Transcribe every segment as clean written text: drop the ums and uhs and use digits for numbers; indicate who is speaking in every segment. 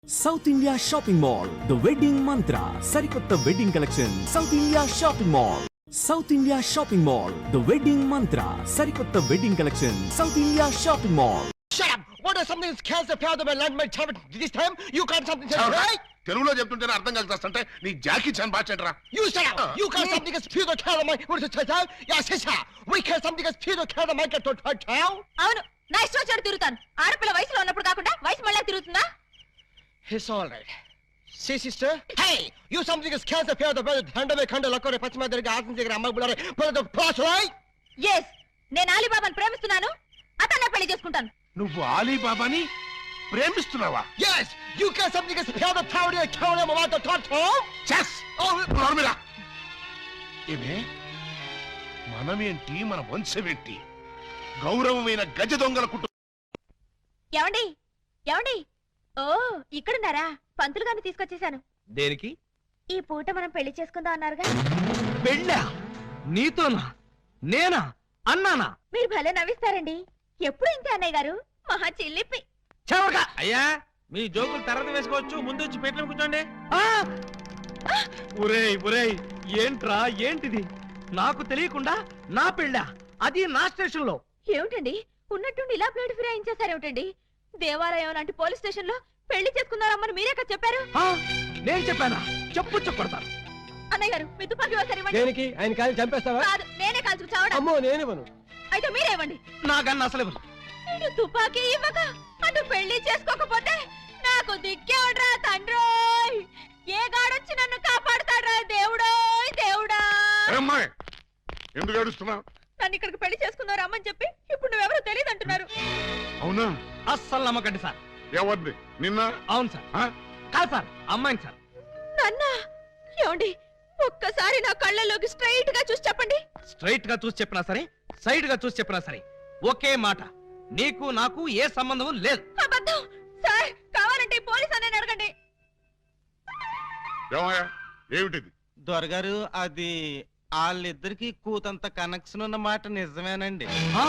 Speaker 1: South India Shopping Mall, The Wedding Mantra, Sarikotta Wedding Collection, South India Shopping Mall. South India Shopping Mall, The Wedding Mantra, Sarikotta Wedding Collection, South India Shopping Mall.
Speaker 2: Shut up! What is something that scares the fear of my land my child this time? You can't something right?
Speaker 3: తెలుగులో చెప్తుంటేనే అర్థం కలుగుతాంటే నీ Jackie Chan బాచెంట్రా.
Speaker 2: You shut up! You can't something that fear the care of my what is it? Yes, sister. We can't something that fear the care of my get to town.
Speaker 4: అవును నా ఇష్టం వచ్చాడు తిరుగుతాను. ఆడపిల్ల వయసులో ఉన్నప్పుడు కాకుండా వయసు మళ్ళీ తిరుగుతుందా?
Speaker 2: It's all right. See, sister? Hey! You something that scares the fear of the brother Thandave Khanda Lakore Pachima Derga Asin Jigara Amma Bulare brother the plus, right?
Speaker 4: yes నేను అలీబాబాను ప్రేమిస్తున్నాను. అతన్నే పెళ్లి చేసుకుంటాను.
Speaker 3: నువ్వు ఆలీబాబాని ప్రేమిస్తున్నావా?
Speaker 2: Yes! You can't something that fear the power of the town of the town.
Speaker 3: చెస్ నోర్మిరా. ఏమే మనమేంటి మన వంశమేంటి గౌరవమైన గజ దొంగల కుటుంబం.
Speaker 4: ఏమండి ఏమండి ఓ ఇక్కడున్నారా? పంతులు గారిని తీసుకొచ్చేసాను.
Speaker 5: దేనికి?
Speaker 4: ఈ పూట మనం పెళ్లి చేసుకుందాం అన్నారుగా.
Speaker 5: పెళ్ళా? నీతోనా? నేనా? అన్నానా?
Speaker 4: మీరు భలే నవ్విస్తారండి. ఎప్పుడు ఇంతే అన్నయ్య గారు. మహా చిల్లిపి.
Speaker 5: చెవగా అయ్యా మీ జోకులు తర్వాత వేసుకోవచ్చు. ముందు వచ్చి పెట్ల కూర్చోండి. ఒరేయ్ ఒరేయ్ ఏంట్రా ఏంటిది? నాకు తెలియకుండా నా పెళ్ళా? అది నా స్టేషన్ లో.
Speaker 4: ఏమిటండి ఉన్నట్టుండి ఇలా ప్లేట్ ఫిరాయించేసారేమిటండి? దేవాలయం లాంటి పోలీస్ స్టేషన్ లో పెళ్లి చేసుకున్నారమ్మని మీరే కదా చెప్పారు.
Speaker 5: నేను చెప్పానా? చెప్పు చెప్పడతాను.
Speaker 4: అన్నయ్య గారు మీ తుపాకీ ఒకసారి ఇవ్వండి.
Speaker 2: దేనికి? ఆయన కాలి చంపేస్తావా?
Speaker 4: కాదు నేనే కాల్చుకు చావడం.
Speaker 2: అమ్మో నేనేమను.
Speaker 4: అయితే మీరే ఇవ్వండి.
Speaker 5: నాకన్నా అసలు ఇవ్వను.
Speaker 4: ఇటు తుపాకీ ఇవ్వక అటు పెళ్లి చేసుకోకపోతే నాకు దిక్కే ఉండరా తండ్రోయ్. ఏ గాడొచ్చి నన్ను కాపాడుతాడ్రా దేవుడోయ్ దేవుడా.
Speaker 3: అమ్మాయి ఎందుకు ఏడుస్తున్నావు?
Speaker 4: నన్ను ఇక్కడికి పెళ్లి చేసుకున్నారు అమ్మని చెప్పి ఇప్పుడు నువ్వెవరో తెలియదు అంటున్నారు.
Speaker 3: అవునా?
Speaker 5: అస్సలు నమ్మకండి సార్.
Speaker 3: ఎవరిది? నిన్న?
Speaker 5: అవును సార్. కాదు సార్ అమ్మాయిని సార్.
Speaker 4: నాన్న ఏమండి ఒక్కసారి నా కళ్ళలోకి స్ట్రైట్ గా చూసి చెప్పండి.
Speaker 5: స్ట్రైట్ గా చూసి చెప్పినా సరే సైడ్ గా చూసి చెప్పినా సరే ఒకే మాట, నీకు నాకు ఏ సంబంధం లేదు.
Speaker 4: అబద్ధం సార్. కావాలంటే పోలీస్ అనే అడగండి.
Speaker 3: ఏమయ్యా ఏమిటిది?
Speaker 6: దొరగారు అది వాళ్ళిద్దరికి కూతంత కనెక్షన్ ఉన్న మాట నిజమేనండి.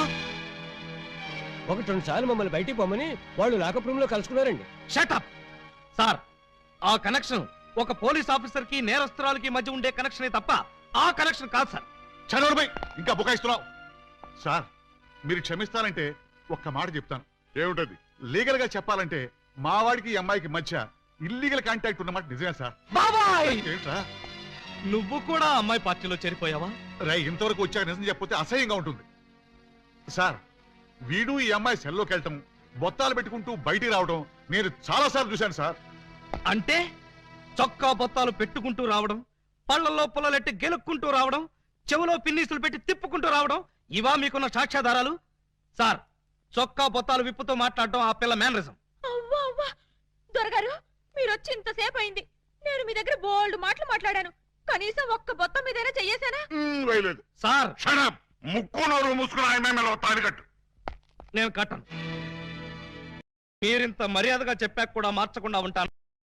Speaker 2: ఒకటి రెండు సార్లు మమ్మల్ని బయటికి పోమని వాళ్ళు లాకప్ రూమ్ లో కలుసుకున్నారండి.
Speaker 5: Shut up sir. ఆ కనెక్షన్ ఒక పోలీస్ ఆఫీసర్ కి నేరస్తురాలకి మధ్య ఉండే కనెక్షనే తప్ప ఆ కనెక్షన్ కాదు సార్.
Speaker 3: చదవడమై ఇంకా బుకాయిస్తున్నావు. సార్ మీరు క్షమిస్తానంటే ఒక్క మాట చెప్తాను. ఏమిటది? లీగల్ గా చెప్పాలంటే మా వాడికి ఈ అమ్మాయికి మధ్య ఇల్లీగల్ కాంటాక్ట్ ఉన్నమాట నిజమే సార్.
Speaker 5: బాబాయ్
Speaker 3: ఏంట్రా
Speaker 5: నువ్వు కూడా అమ్మాయి పార్టీలో చేరిపోయావా?
Speaker 3: రై ఇంతవరకు వచ్చాక నిజం చెప్పితే అసహ్యంగా ఉంటుంది సార్. వీడు ఈ అమ్మాయి సెల్లోకి వెళ్ళటం, బొత్తాలు పెట్టుకుంటూ బయటికి రావడం నేను చాలా సార్లు చూశాను సార్.
Speaker 5: అంటే చొక్కా బొత్తాలు పెట్టుకుంటూ రావడం, పళ్లలో పుల్లలెట్టి గెలుక్కుంటూ రావడం, చెవులో పిన్నీసులు పెట్టి తిప్పుకుంటూ రావడం, ఇవా మీకున్న సాక్ష్యాధారాలు? సార్ చొక్కా బొత్తాలు విప్పుతూ మాట్లాడడం ఆ పిల్ల మేనరిజం.
Speaker 4: అవ్వా అవ్వా దొరగారు మీరు వచ్చి ఇంతసేపు అయింది. నేను మీ దగ్గర బోల్డ్ మాటలు మాట్లాడాను. కనీసం ఒక్క బొత్తం మీదైనా చెయ్యేశానా?
Speaker 3: వేయలేదు
Speaker 5: సార్.
Speaker 3: షడప్. ముక్కు నోరు మూసుకుని ఆయన తాలికట్టు.
Speaker 5: నేను కట్టను. మీరింత మర్యాదగా చెప్పాక కూడా మార్చకుండా ఉంటాను.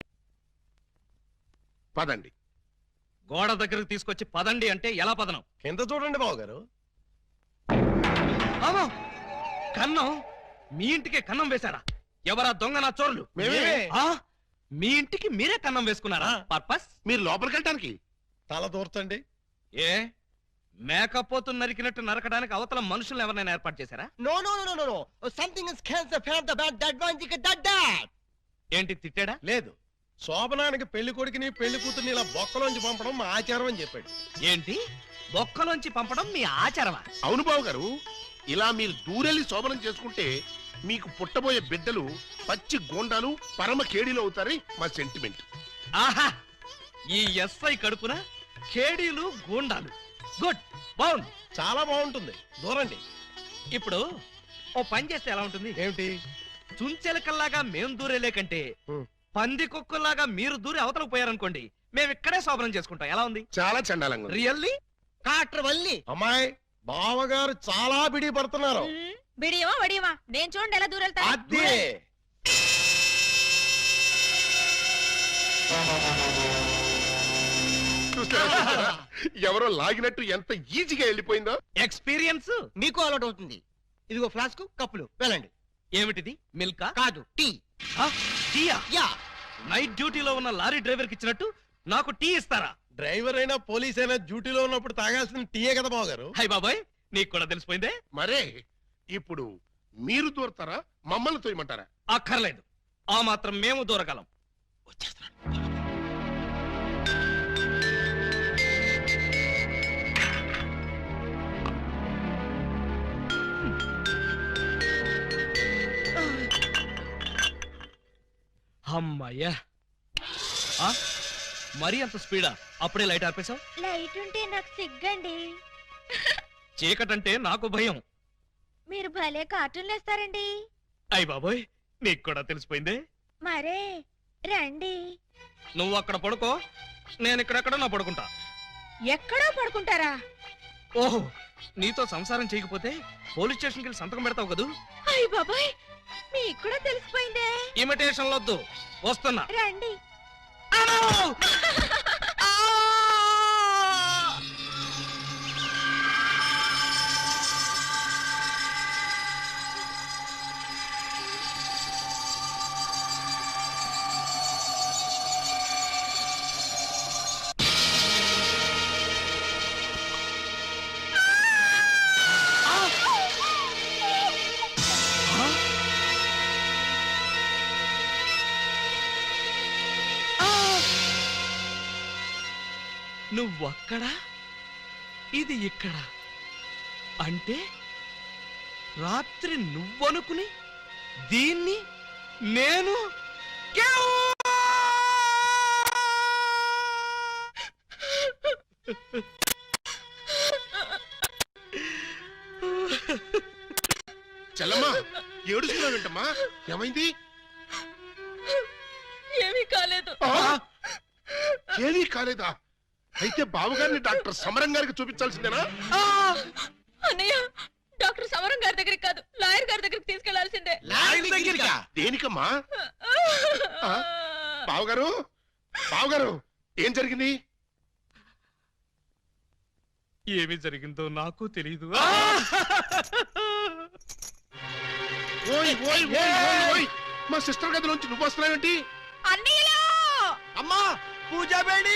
Speaker 3: పదండి.
Speaker 5: గోడ దగ్గరకు తీసుకొచ్చి పదండి అంటే ఎలా పదనం?
Speaker 2: కింద చూడండి బాబు గారు.
Speaker 5: అవును కన్నం. మీ ఇంటికే కన్నం వేశారా? ఎవరా దొంగ నా చోరులు?
Speaker 3: మేమే.
Speaker 5: మీ ఇంటికి మీరే కన్నం వేసుకున్నారా? పర్పస్?
Speaker 3: మీరు లోపలికి వెళ్ళటానికి.
Speaker 2: తల దూర్తండి.
Speaker 5: ఏ మేకపోతు నరికినట్టు నరకడానికి అవతల మనుషులు ఎవరైనా ఏర్పాటు చేశారా?
Speaker 2: No, no, no, no, no, no. Something is cancer fear of the bad that one you get that.
Speaker 5: ఏంటి తిట్టాడా?
Speaker 7: లేదు, శోభనానికి పెళ్లి కొడుకుని పెళ్లి కూతుర్ని ఇలా బొక్కలోంచి పంపడం మా ఆచారం అని చెప్పాడు.
Speaker 5: ఏంటి బొక్కలోంచి పంపడం మీ ఆచారమా?
Speaker 3: అవును బాబు గారు. ఇలా మీరు దూరెళ్ళి శోభనం చేసుకుంటే మీకు పుట్టబోయే బిడ్డలు పచ్చి గోండాలు పరమ కేడీలు అవుతారని మా సెంటిమెంట్.
Speaker 5: ఆహా ఈ ఎస్ఐ కడుపున కేడీలు గూండాలు. గుడ్ బాగుంది.
Speaker 7: చాలా బాగుంటుంది. దూరండి.
Speaker 5: ఇప్పుడు ఓ పని చేస్తే ఎలా ఉంటుంది?
Speaker 7: ఏమిటి?
Speaker 5: చుంచెలకల్లాగా మేం దూరేలే కంటే పంది కుక్కల్లాగా మీరు దూరి అవతలకు పోయారనుకోండి, మేము ఇక్కడే శోభనం చేసుకుంటాం. ఎలా ఉంది?
Speaker 3: చాలా చండాలంగా ఉంది.
Speaker 5: రియల్లీ?
Speaker 2: కాటర్ వల్లి.
Speaker 7: అమ్మాయి బావగారు చాలా బిడి పడుతున్నారు.
Speaker 4: బిడియమా వడియమా నేను చూడండి ఎలా దూరెళ్తా.
Speaker 7: అదే
Speaker 3: ఎవరో లాగినట్టు ఎంత ఈజీగా వెళ్ళిపోయిందో.
Speaker 5: ఎక్స్పీరియన్స్
Speaker 2: మీకు అలవాటు అవుతుంది. ఇదిగో ఫ్లాస్క్ కప్పులు వెళ్ళండి.
Speaker 5: ఏమిటిది? మిల్కా?
Speaker 2: కాదు టీ.
Speaker 5: టీయా?
Speaker 2: యా
Speaker 5: నైట్ డ్యూటీలో ఉన్న లారీ డ్రైవర్ కి ఇచ్చినట్టు నాకు టీ ఇస్తారా?
Speaker 7: డ్రైవర్ అయినా పోలీస్ అయినా డ్యూటీలో ఉన్నప్పుడు తాగాల్సిన టీయే కదా బావగారు.
Speaker 5: హై బాబాయ్, నీకు కూడా తెలిసిపోయిందే.
Speaker 8: మరే ఇప్పుడు మీరు దూరతారా మమ్మల్ని తోయమంటారా?
Speaker 5: అక్కర్లేదు, ఆ మాత్రం మేము దూరగలం. వచ్చేస్తున్నాడు. అమ్మయ్యా, మరీ అంత స్పీడా? అప్పుడే లైట్ ఆర్పేశావు?
Speaker 4: లైట్ ఉంటే నాకు సిగ్గండి.
Speaker 5: చీకటంటే నాకు భయం.
Speaker 4: మీరు భలే కార్టూన్లు వేస్తారండి.
Speaker 5: అయ్ బాబోయ్, నీకు కూడా తెలిసిపోయిందే.
Speaker 4: మరే రండి.
Speaker 5: నువ్వు అక్కడ పడుకో, నేను ఇక్కడెక్కడ నా పడుకుంటా.
Speaker 4: ఎక్కడో పడుకుంటారా?
Speaker 5: ఓహో, నీతో సంసారం చేయకపోతే పోలీస్ స్టేషన్కి వెళ్ళి సంతకం పెడతావు కదూ.
Speaker 4: అయ్య బాబాయ్, మీకు కూడా తెలిసిపోయిందే.
Speaker 5: ఇమిటేషన్ వద్దు, వస్తున్నా.
Speaker 4: రండి.
Speaker 5: నువ్వక్కడ, ఇది ఇక్కడ. అంటే రాత్రి నువ్వనుకుని దీన్ని నేను
Speaker 8: చెల్లమ్మా ఏడుస్తున్నావేంటమ్మా? ఏమైంది?
Speaker 4: ఏమీ కాలేదు.
Speaker 8: ఏమీ కాలేదా? అయితే బావగారిని డాక్టర్ సమరం గారికి చూపించాల్సిందేనా?
Speaker 4: అన్నయ్య, డాక్టర్ సమరం గారి దగ్గరికి కాదు, లాయర్ గారి దగ్గరికి తీసుకెళ్లాల్సిందే.
Speaker 8: దేనికమ్మా? బావగారు, బావగారు, ఏం జరిగింది?
Speaker 5: ఏమి జరిగిందో నాకు తెలీదు.
Speaker 8: ఓయ్ ఓయ్ ఓయ్ ఓయ్ ఓయ్, మా సిస్టర్ గదిలోంచి నువ్వు వస్తున్నావేంటి?
Speaker 4: అన్నయ్యలో
Speaker 6: అమ్మా పూజా బేడి,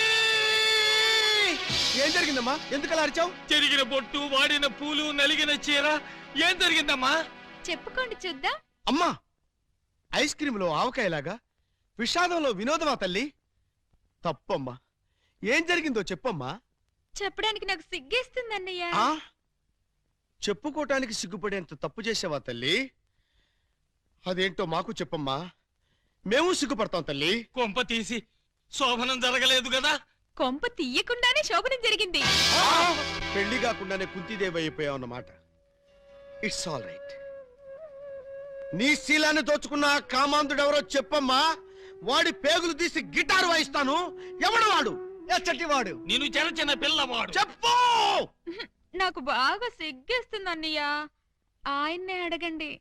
Speaker 6: ఏం జరిగిందమ్మా? ఎందుకు అలా అరిచావు?
Speaker 5: చెరిగిన బొట్టు, వాడిన పూలు, నలిగిన చీర. ఏం జరిగిందమ్మా?
Speaker 4: చెప్పుకోండి చూద్దాం.
Speaker 6: అమ్మా, ఐస్ క్రీమ్ లో ఆవకాయలాగా విషాదంలో వినోదమా తల్లి? తప్పమ్మా, ఏం జరిగిందో చెప్పమ్మా.
Speaker 4: చెప్పడానికి నాకు సిగ్గేస్తుంది అన్నయ్య.
Speaker 6: ఆ చెప్పుకోటానికి సిగ్గుపడేంత తప్పు చేసావా తల్లి? అదేంటో మాకు చెప్పమ్మా, మేము సిగ్గుపడతాం తల్లి.
Speaker 5: కొంప తీసి శోభనం జరగలేదు కదా?
Speaker 4: కొంప తీయకుండానే శోభనం జరిగింది.
Speaker 6: పెళ్లి కాకుండానే కుంతిదేవి అయిపోయావు అన్నమాట. It's all right. నీ శీలాన్ని దోచుకున్న ఆ కామాంధుడెవరో చెప్పమ్మా. వాడి పేగులు తీసి గిటారు వాయిస్తాను. ఎవడు వాడు? ఎచ్చటి వాడు?
Speaker 5: నేను చిన్న చిన్న పిల్లవాడు.
Speaker 6: చెప్పు.
Speaker 4: నాకు బాగా సిగ్గేస్తుంది అన్నయ్య, ఆయన్నే అడగండి.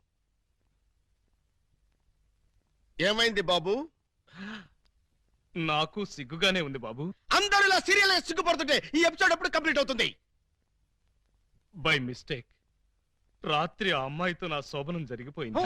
Speaker 6: ఏమైంది బాబు?
Speaker 5: నాకు సిగ్గుగానే ఉంది బాబు.
Speaker 6: అందరూ ఇలా సీరియల్ సిగ్గుపడుతుంటే ఈ ఎపిసోడ్ ఎప్పుడు కంప్లీట్ అవుతుంది?
Speaker 5: బై మిస్టేక్ రాత్రి ఆ అమ్మాయితో నా శోభనం జరిగిపోయింది.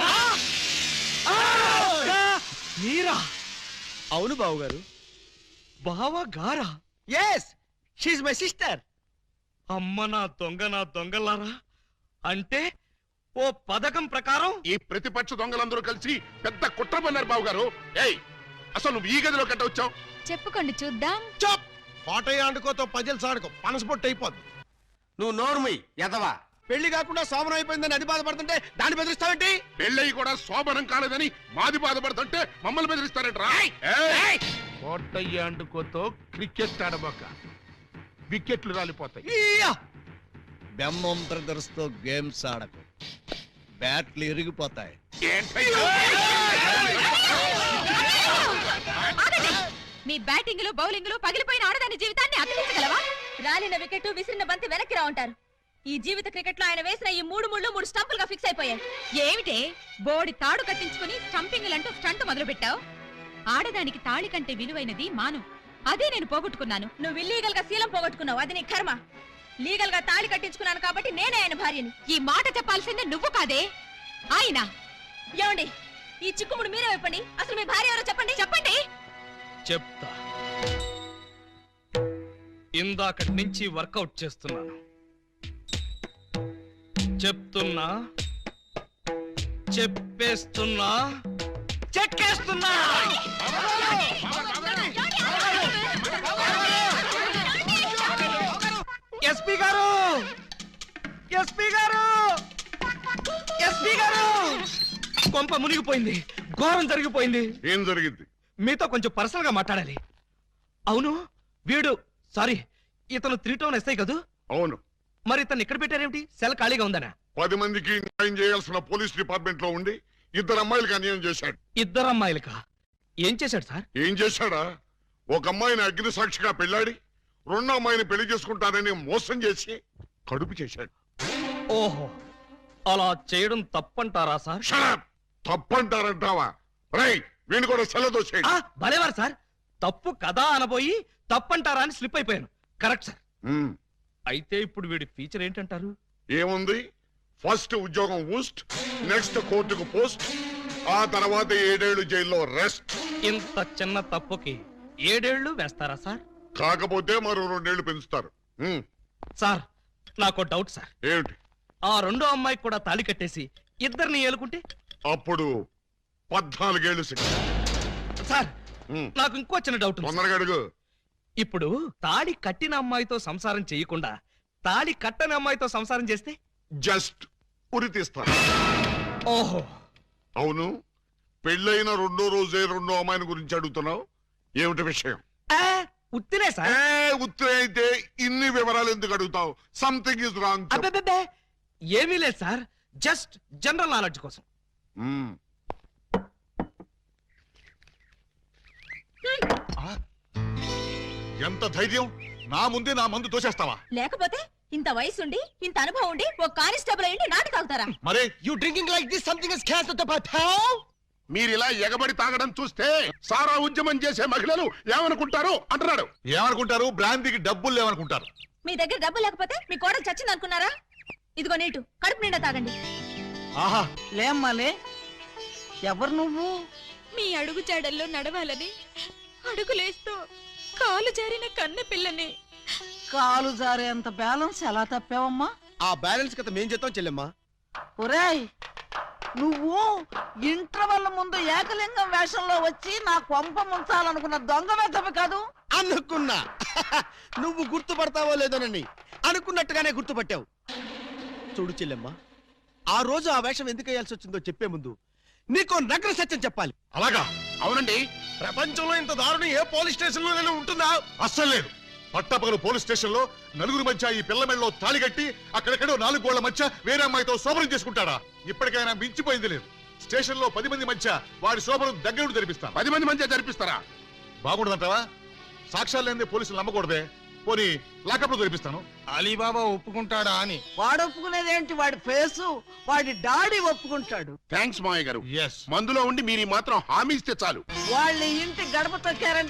Speaker 5: మీరా?
Speaker 6: అవును బావు గారు.
Speaker 5: బావా గారా?
Speaker 6: Yes, she's my sister.
Speaker 5: అమ్మ నా దొంగలారా. అంటే ఓ పథకం ప్రకారం
Speaker 8: ఈ ప్రతిపక్ష దొంగలందరూ కలిసి పెద్ద కుట్ర పన్నారు బావగారు. ఏయ్, అసలు నువ్వు ఈ గదిలో కట్ట వచ్చావు?
Speaker 4: చెప్పుకోండి చూద్దాం.
Speaker 7: చప్, కోటయ్య ఆడుకోతో పజిల్ సాడుకో, పనసపొట్టు అయిపోద్ది.
Speaker 6: నువ్వు నోర్మి ఎదవా. పెళ్లి కాకుండా శోభనం అయిపోయిందని అది బాధపడుతుంటే దాన్ని బెదిరిస్తావేంటి?
Speaker 8: పెళ్ళయి కూడా శోభనం కాలేదని మాది బాధపడుతుంటే మమ్మల్ని బెదిరిస్తారంటరా? కోటయ్య ఆడుకోతో క్రికెట్ ఆడబోక, వికెట్లు రాలిపోతాయి.
Speaker 6: బెమ్మం బ్రదర్స్ తో గేమ్స్ ఆడకు, బ్యాట్లు ఇరిగిపోతాయి.
Speaker 4: మీ బ్యాటింగ్ లో బౌలింగ్ లో పగిలిపోయిన ఆడదాని జీవితాన్ని అతికించగలవా? రాలిన వికెట్, విసిరిన బంతి వెనక్కి రా ఉంటారు. ఈ జీవిత క్రికెట్ లో ఆయన వేసిన ఈ 3 స్టంపులుగా ఫిక్స్ అయిపోయాయి. ఏమిటే బోడి తాడు కట్టించుకుని స్టంపింగ్ అంటూ స్టంట్ మొదలు పెట్టావు? ఆడదానికి తాళి కంటే విలువైనది మాను. అదే నేను పోగొట్టుకున్నాను. నువ్వు ఇల్లీగల్ గా శీలం పోగొట్టుకున్నావు, అది నీ కర్మ. లీగల్ గా తాళి కట్టించుకున్నాను కాబట్టి నేనే ఆయన భార్యని. ఈ మాట చెప్పాల్సిందే నువ్వు కాదే ఆయన. ఏమండి, ఈ చిక్కుముడు మీరే చెప్పండి. అసలు మీ భార్య ఎవరో చెప్పండి. చెప్పండి.
Speaker 5: చెప్తా. ఇందాకటి నుంచి వర్కౌట్ చేస్తున్నాను. చెప్తున్నా, చెప్పేస్తున్నా, చెక్కేస్తున్నా. ఎస్పీ గారు, ఎస్పీ గారు, ఎస్పీ గారు, కొంప మునిగిపోయింది, ఘోరం జరిగిపోయింది.
Speaker 8: ఏం జరిగింది?
Speaker 5: మీతో కొంచెం పర్సనల్ గా మాట్లాడాలి. అవును, వీడు సారీ ఇతను 3 టౌన్ ఎస్ఐ కదూ?
Speaker 8: అవును.
Speaker 5: మరి ఇతను ఇక్కడ పెట్టారేమిటి? సెల్ ఖాళీగా ఉందనా?
Speaker 8: 10 మందికి న్యాయం చేయాల్సిన పోలీస్ డిపార్ట్మెంట్ లో ఉండి 2 అమ్మాయిలకి అన్యాయం చేశాడు.
Speaker 5: 2 అమ్మాయిలకా? ఏం చేశాడు సార్?
Speaker 8: ఏం చేశాడా? ఒక అమ్మాయిని అగ్ని సాక్షిగా పెళ్ళాడి 2వ అమ్మాయిని పెళ్లి చేసుకుంటానని మోసం చేసి కడుపు చేశాడు.
Speaker 5: ఓహో, అలా చేయడం తప్పంటారా సార్?
Speaker 8: Shut up! తప్పంటారంటావా? రై, వీణు కూడా సెలదోసేయండి.
Speaker 5: భలేవారు సార్, తప్పు కదా అనబోయి తప్పంటారా అని స్లిప్ అయిపోయాను. Correct sir. అయితే ఇప్పుడు వీడి ఫీచర్ ఏంటంటారు?
Speaker 8: ఏముంది? ఫస్ట్ ఉద్యోగం ఊస్ట్, నెక్స్ట్ కోర్టుకు పోస్ట్, ఆ తర్వాత 7 ఏళ్లు జైల్లో రెస్ట్.
Speaker 5: ఇంత చిన్న తప్పుకి 7 ఏళ్లు వేస్తారా సార్?
Speaker 8: కాకపోతే మరో 2 ఏళ్లు పెంచుతారు.
Speaker 5: సార్, నాకు డౌట్ సార్.
Speaker 8: ఏమిటి?
Speaker 5: ఆ 2వ అమ్మాయికి కూడా తాళి కట్టేసి 2ని ఏలుకుంటే?
Speaker 8: అప్పుడు 14 ఏళ్లు శిక్ష.
Speaker 5: సార్, నాకు ఇంకో చిన్న డౌట్ ఉంది.
Speaker 8: తొందరగా అడుగు.
Speaker 5: ఇప్పుడు తాళి కట్టిన అమ్మాయితో సంసారం చేయకుండా తాళి కట్టని అమ్మాయితో సంసారం చేస్తే?
Speaker 8: జస్ట్ ఉరి తీస్తారు.
Speaker 5: ఓహో,
Speaker 8: అవును, పెళ్ళైన 2వ రోజే 2వ అమ్మాయిని గురించి అడుగుతున్నావు. ఏమిటి విషయం?
Speaker 5: ఉత్తినే సార్.
Speaker 8: ఉత్తరే అయితే ఇన్ని వివరాలు ఎందుకు అడుగుతావు? Something is wrong.
Speaker 5: అబ్బే, ఏమీ లేదు సార్, జస్ట్ జనరల్ నాలెడ్జ్ కోసం.
Speaker 3: ఎంత ధైర్యం! నా ముందే నా మందు తోసేస్తావా?
Speaker 4: లేకపోతే ఇంత వయసుండి ఇంత అనుభవం ఉండి ఒక కానిస్టేబుల్ అయ్యి నాటు తాగుతారా?
Speaker 3: మరే
Speaker 2: You drinking like this? Something is cancer to patel.
Speaker 8: మీరు ఇలా ఎగబడి తాగడం చూస్తే సారా ఉద్యమం చేసే మహిళలు ఏమనుకుంటారు అంటున్నాడు.
Speaker 3: ఏమనుకుంటారు? బ్రాంతికి డబ్బులు లేవనుకుంటారు.
Speaker 4: మీ దగ్గర డబ్బు లేకపోతే మీ కోడలు చచ్చింది అనుకున్నారా? ఇదిగో నీటు, కడుపు నిండా తాగండి.
Speaker 3: ఆహా,
Speaker 9: లేమ్మాలే, ఎవరు నువ్వు?
Speaker 4: మీ అడుగు జాడల్లో నడవాలని అడుగులేస్తూ కాలు జారిన కన్న పిల్లని.
Speaker 9: కాలు జారేంత బ్యాలెన్స్ ఎలా తప్పావమ్మా?
Speaker 6: ఆ బ్యాలెన్స్ కథ మేం చేద్దాం చెల్లెమ్మా.
Speaker 9: ఒరేయ్, నువ్వు ఇంటర్వెల్ ముందు ఏకలింగం వేషంలో వచ్చి నా కొంప ముంచాలనుకున్న దొంగ వెతవి కాదు?
Speaker 6: అనుకున్నా నువ్వు గుర్తుపడతావో లేదోనని. అనుకున్నట్టుగానే గుర్తుపట్టావు. చూడు చెల్లెమ్మా, ఆ రోజు ఆ వేషం ఎందుకు వేయాల్సి వచ్చిందో చెప్పే ముందు నీకు నగ్న సత్యం చెప్పాలి.
Speaker 3: అలాగా?
Speaker 8: అవునండి.
Speaker 7: ప్రపంచంలో ఇంత దారుణం ఏ పోలీస్ స్టేషన్ లోనే ఉంటుందా?
Speaker 3: అస్సలు లేదు. పట్టపగలు పోలీస్ స్టేషన్ లో నలుగురు మధ్య ఈ పిల్ల మెళ్ళలో తాళి కట్టి అక్కడెక్కడో 4 గోళ్ల మధ్య వేరే అమ్మాయితో శోభనం చేసుకుంటాడా? ఇప్పటికైనా మించిపోయింది లేదు. స్టేషన్ లో 10 మంది మధ్య వాడి శోభనం దగ్గరుండి జరిపిస్తాను.
Speaker 8: 10 మంది మధ్య జరిపిస్తారా?
Speaker 3: బాగుండదంటావా? సాక్ష్యాలు లేని పోలీసులు నమ్మకూడదే. పోనీ లాకప్లో జరిపిస్తాను.
Speaker 7: అలీబాబా ఒప్పుకుంటాడా అని.
Speaker 9: వాడు ఒప్పుకునేదేంటి? వాడి ఫేసు, వాడి డాడీ ఒప్పుకుంటాడు.
Speaker 8: థ్యాంక్స్ మావయ్య గారు.
Speaker 3: Yes.
Speaker 8: మందులో ఉండి మీరు మాత్రం హామీ ఇస్తే చాలు.
Speaker 9: వాళ్ళ ఇంటి గడప తొక్కారంటే